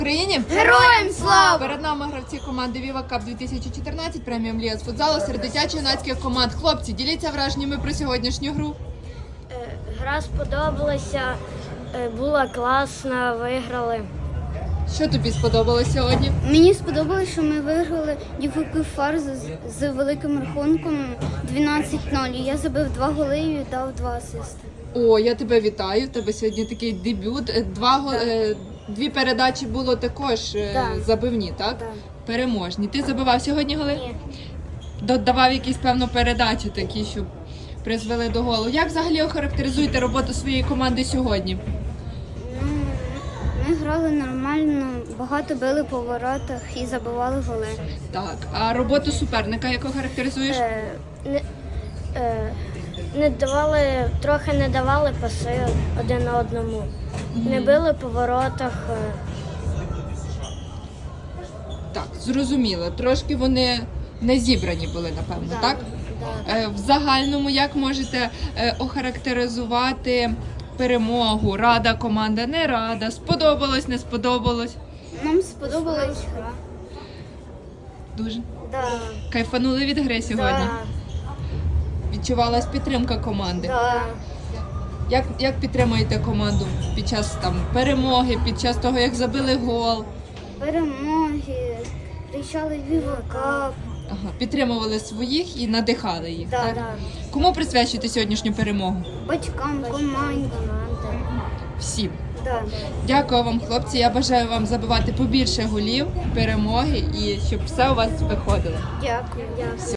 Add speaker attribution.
Speaker 1: Україні!
Speaker 2: Героям слава!
Speaker 1: Перед нами гравці команди Viva Cup 2014, преміум Ліга з футзалу серед дитячо-юнацьких команд. Хлопці, діліться враженнями про сьогоднішню гру.
Speaker 2: Гра сподобалася, була класна, виграли.
Speaker 1: Що тобі сподобалось сьогодні?
Speaker 3: Мені сподобалось, що ми виграли дівку фарзу з великим рахунком 12-0. Я забив 2 голи і дав 2 асисти.
Speaker 1: О, я тебе вітаю. В тебе сьогодні такий дебют. Дві передачі було також забивні, так?
Speaker 3: Так.
Speaker 1: Переможні. Ти забивав сьогодні голи?
Speaker 3: Ні.
Speaker 1: Додавав якісь, певно, передачі такі, що призвели до голу. Як взагалі охарактеризуєте роботу своєї команди сьогодні?
Speaker 3: Ми грали нормально, багато били по воротах і забивали голи.
Speaker 1: Так. А роботу суперника як охарактеризуєш?
Speaker 2: Трохи не давали паси один одному. Не били по воротах.
Speaker 1: Так, зрозуміло. Трошки вони не зібрані були, напевно, так? В загальному, як можете охарактеризувати перемогу? Рада команда, не рада, сподобалось, не сподобалось?
Speaker 3: Нам сподобалась гра.
Speaker 1: Дуже.
Speaker 2: Да.
Speaker 1: Кайфанули від гри сьогодні? Відчувалась підтримка команди?
Speaker 2: Да.
Speaker 1: Як підтримуєте команду під час перемоги, під час того, як забили гол?
Speaker 3: Перемоги, кричали Viva Cup.
Speaker 1: Ага, підтримували своїх і надихали їх, так?
Speaker 2: Да.
Speaker 1: Кому присвячуєте сьогоднішню перемогу?
Speaker 3: Батькам, команді.
Speaker 1: Всім.
Speaker 3: Да.
Speaker 1: Дякую вам, хлопці. Я бажаю вам забивати побільше голів, перемоги і щоб все у вас виходило.
Speaker 3: Дякую.